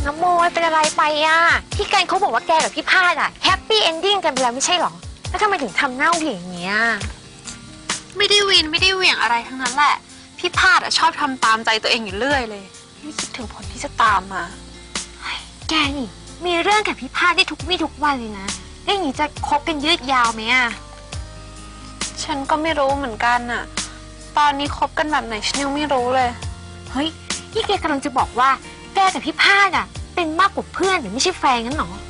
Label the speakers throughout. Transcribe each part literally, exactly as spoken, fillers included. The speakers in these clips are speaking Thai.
Speaker 1: น้ำโมเป็นอะไรไปอ่ะพี่กันเขาบอกว่าแกกับพี่พาดอ่ะแฮปปี้เอนดิ้งกันไปแล้วไม่ใช่หรอแล้วทำไมถึงทำหน้าเหวี่ยงอย่างเงี้ย
Speaker 2: ไม่ได้วินไม่ได้เหวี่ยงอะไรทั้งนั้นแหละพี่พาดอ่ะชอบทำตามใจตัวเองอยู่เรื่อยเลยไม่คิดถึงผลที่จะตามมา
Speaker 1: แกนี่มีเรื่องกับพี่พาดได้ทุกวี่ทุกวันเลยนะแล้วอย่างนี้จะคบกันยืดยาวไหมอ่ะ
Speaker 2: ฉันก็ไม่รู้เหมือนกันน่ะตอนนี้คบกันแบบไหนฉันยังไม่รู้เลย
Speaker 1: เฮ้ยนี่แกกำลังจะบอกว่าแกกับพี่พาดอ่ะเป็นมากกว่าเพื่อนหรือไม่ใช่แฟนงั้นหรอ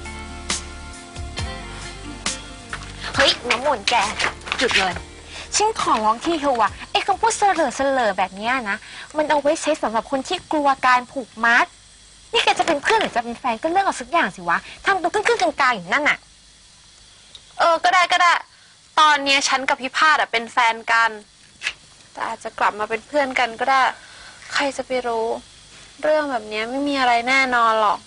Speaker 1: เฮ้ยน้ำมนต์แกหยุดเลยฉันขอร้องที่เธอว่ะไอ้คำพูดเสลอเสลอแบบนี้นะมันเอาไว้ใช้สำหรับคนที่กลัวการผูกมัดนี่แกจะเป็นเพื่อนหรือจะเป็นแฟนก็เลือกเอาสักอย่างสิวะทำตัวครึ่งๆกลางๆอย่างนั้นน่ะ
Speaker 2: เออก็ได้ก็ได้ตอนนี้ฉันกับพี่พาดอ่ะเป็นแฟนกันแต่อาจจะกลับมาเป็นเพื่อนกันก็ได้ใครจะไปรู้เรื่องแบบนี้ไม่มีอะไรแน่นอนหรอก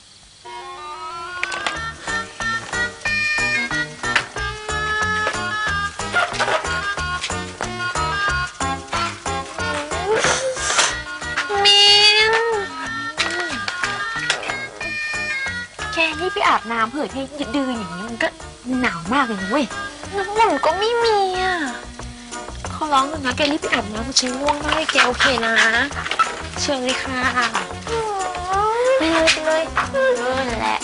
Speaker 2: มิน
Speaker 1: แกนี่ไปอาบน้ำเผื่อที่ดื้ออย่างนี้มันก็หนาวมากเลยนะเว้ย
Speaker 2: น้ำมันก็ไม่มีอ่ะ
Speaker 1: เขาร้องกันนะแกรีบไปอาบน้ำมันชิง่วงมากแกโอเคนะเชิญเลยค่ะไปเลยไปเลยเออนั่นแหละ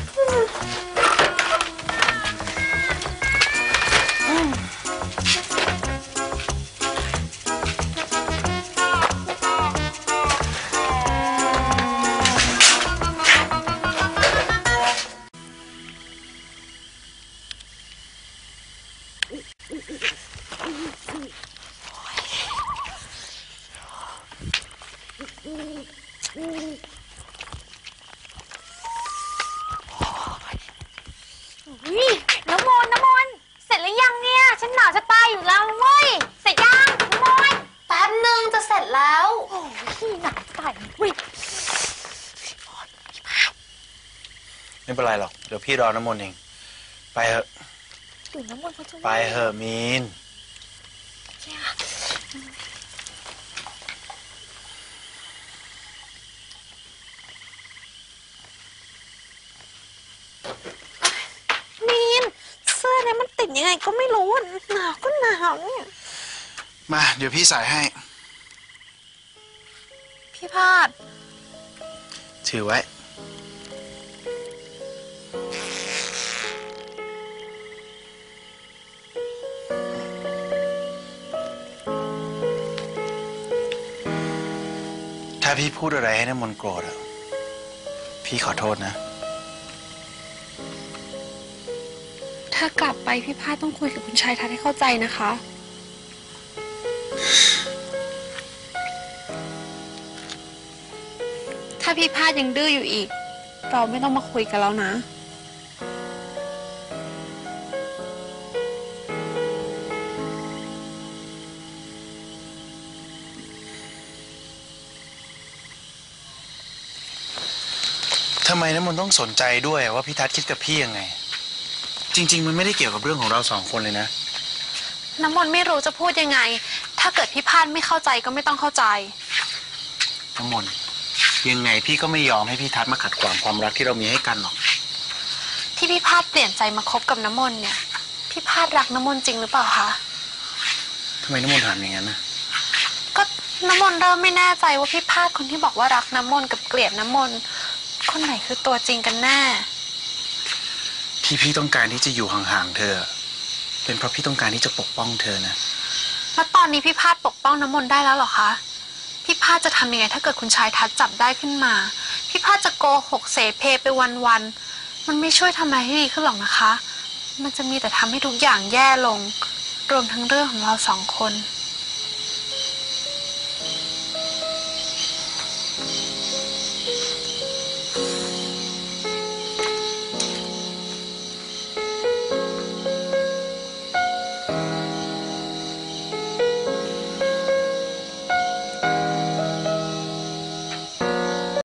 Speaker 1: น้ำมนต์น้ำมนต์เสร็จหรือยังเนี่ยฉันหนาวจะตายอยู่แล้วเว้ยเสร็จยังน้ำมนต์
Speaker 2: แป๊บนึงจะเสร็จแล้ว
Speaker 1: โอ้ยหนาวตายเว้ย
Speaker 3: ไม่เป็นไรหรอกเดี๋ยวพี่รอน้ำมนต์เองไปเถอะ
Speaker 1: น้ำมนต์เขาจะ
Speaker 3: ไปเถอะมีน
Speaker 2: ยังไงก็ไม่รู้หนาวก็หนาวเนี่ย
Speaker 3: มาเดี๋ยวพี่ใส่ให้
Speaker 2: พี่พาด
Speaker 3: ถือไว้ถ้าพี่พูดอะไรให้น้ำมนต์โกรธอะพี่ขอโทษนะ
Speaker 2: ถ้ากลับไปพี่พาดต้องคุยกับคุณชายทัศน์ให้เข้าใจนะคะถ้าพี่พาดยังดื้ออยู่อีกเราไม่ต้องมาคุยกันแล้วนะ
Speaker 3: ทำไมน้ำมนต์ต้องสนใจด้วยว่าพี่ทัศน์คิดกับพี่ยังไงจริงๆมันไม่ได้เกี่ยวกับเรื่องของเราสองคนเลยนะ
Speaker 2: น้ำมนต์ไม่รู้จะพูดยังไงถ้าเกิดพี่พาดไม่เข้าใจก็ไม่ต้องเข้าใจ
Speaker 3: น้ำมนต์ยังไงพี่ก็ไม่ยอมให้พี่ทัศน์มาขัดขวางความรักที่เรามีให้กันหรอก
Speaker 2: ที่พี่พาดเปลี่ยนใจมาคบกับน้ำมนต์เนี่ยพี่พาดรักน้ำมนต์จริงหรือเปล่าคะ
Speaker 3: ทำไมน้ำมนต์ถามอย่างนั้นนะ
Speaker 2: ก็น้ำมนต์เริ่มไม่แน่ใจว่าพี่พาดคนที่บอกว่ารักน้ำมนต์กับเกลียดน้ำมนต์คนไหนคือตัวจริงกันแน่
Speaker 3: ที่พี่ต้องการที่จะอยู่ห่างๆเธอเป็นเพราะพี่ต้องการที่จะปกป้องเธอนะ
Speaker 2: แล้วตอนนี้พี่พาดปกป้องน้ำมนต์ได้แล้วหรอคะพี่พาดจะทำยังไงถ้าเกิดคุณชายทัศน์จับได้ขึ้นมาพี่พาดจะโกหกเสเพไปวันๆมันไม่ช่วยทำอะไรให้ดีขึ้นหรอกนะคะมันจะมีแต่ทำให้ทุกอย่างแย่ลงรวมทั้งเรื่องของเราสองคน